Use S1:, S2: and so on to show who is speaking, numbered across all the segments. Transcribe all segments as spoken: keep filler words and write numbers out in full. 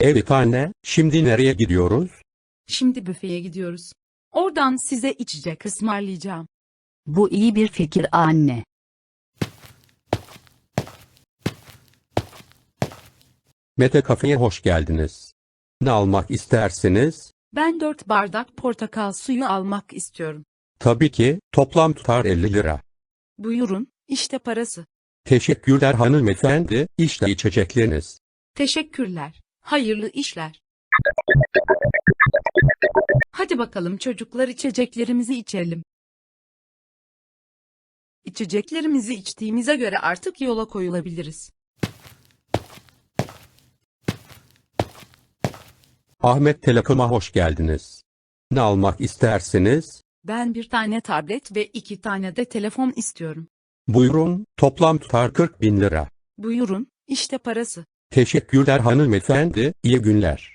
S1: Evet anne, şimdi nereye gidiyoruz?
S2: Şimdi büfeye gidiyoruz. Oradan size içecek ısmarlayacağım.
S3: Bu iyi bir fikir anne.
S1: Mete Kafe'ye hoş geldiniz. Ne almak istersiniz?
S2: Ben dört bardak portakal suyu almak istiyorum.
S1: Tabii ki, toplam tutar elli lira.
S2: Buyurun, işte parası.
S1: Teşekkürler hanımefendi, işte içecekleriniz.
S2: Teşekkürler. Hayırlı işler. Hadi bakalım çocuklar içeceklerimizi içelim. İçeceklerimizi içtiğimize göre artık yola koyulabiliriz.
S1: Ahmet Telekom'a hoş geldiniz. Ne almak istersiniz?
S2: Ben bir tane tablet ve iki tane de telefon istiyorum.
S1: Buyurun, toplam tutar kırk bin lira.
S2: Buyurun, işte parası.
S1: Teşekkürler hanımefendi, iyi günler.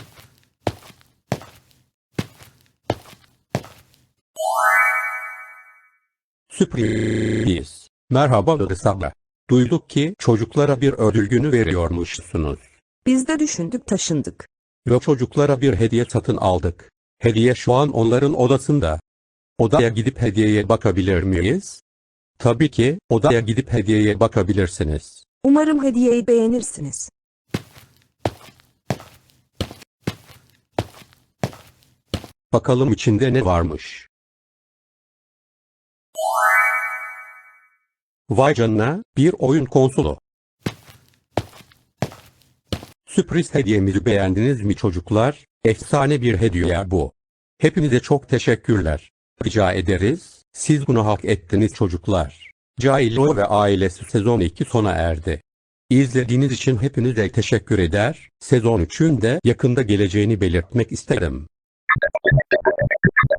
S1: Sürpriz. Merhaba Rıza. Duyduk ki çocuklara bir ödül günü veriyormuşsunuz.
S4: Biz de düşündük taşındık.
S1: Ve çocuklara bir hediye satın aldık. Hediye şu an onların odasında. Odaya gidip hediyeye bakabilir miyiz? Tabii ki, odaya gidip hediyeye bakabilirsiniz.
S4: Umarım hediyeyi beğenirsiniz.
S1: Bakalım içinde ne varmış. Vay canına, bir oyun konsolu. Sürpriz hediyemizi beğendiniz mi çocuklar? Efsane bir hediye bu. Hepinize çok teşekkürler. Rica ederiz, siz bunu hak ettiniz çocuklar. Cailo ve Ailesi sezon iki sona erdi. İzlediğiniz için hepinize teşekkür eder, sezon üçün de yakında geleceğini belirtmek isterim.